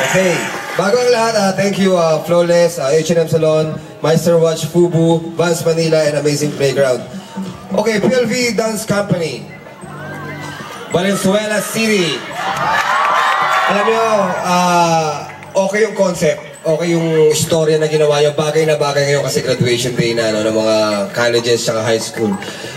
Okay. Bago ang lahat, thank you Flawless, H&M Salon, Meister Watch, Fubu, Vans Manila, and Amazing Playground. Okay, PLV Dance Company. Valenzuela City. Alam niyo, okay yung concept, okay yung istorya na ginawa niyo, bagay na bagay ngayon kasi graduation day na ng mga colleges at high school.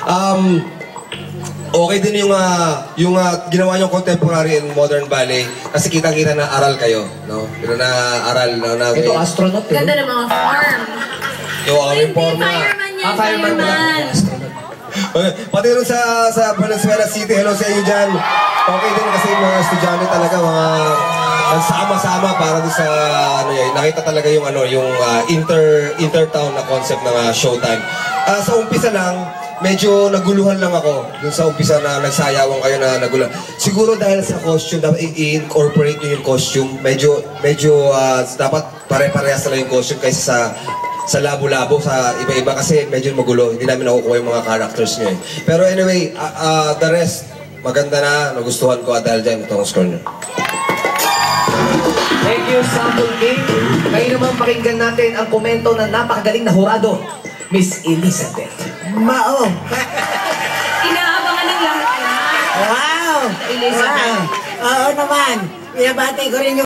Okay din yung ginawa niyong contemporary and modern ballet kasi kitang-kita na aral kayo, no? Pero na aral na ito astronaut eh. Ganda ng mga form. Yung aming forma. Fireman yan, Fireman fireman. Pati rin sa Valenzuela City, hello sa inyo dyan. Okay din kasi yung mga estudyante talaga, mga nagsama-sama para din sa nakita talaga yung intertown na concept ng Showtime. Sa umpisa lang, medyo naguluhan lang ako. Dun sa umpisa na nagsayawan kayo na naguluhan. Siguro dahil sa costume, dapat i-incorporate nyo yung costume. Medyo dapat pare-parehas na yung costume kaysa sa labo-labo, sa iba-iba kasi medyo magulo. Hindi namin nakukuha yung mga characters nyo eh. Pero anyway, the rest, maganda na. Nagustuhan ko dahil dyan itong score nyo. Thank you, Sample King. Kayo naman pakinggan natin ang komento ng napakagaling na hurado, Miss Elizabeth. Mao. Inaabangan ng lahat yan. Wow. Elizabeth. Wow. Oo naman. Pinabati ko rin yung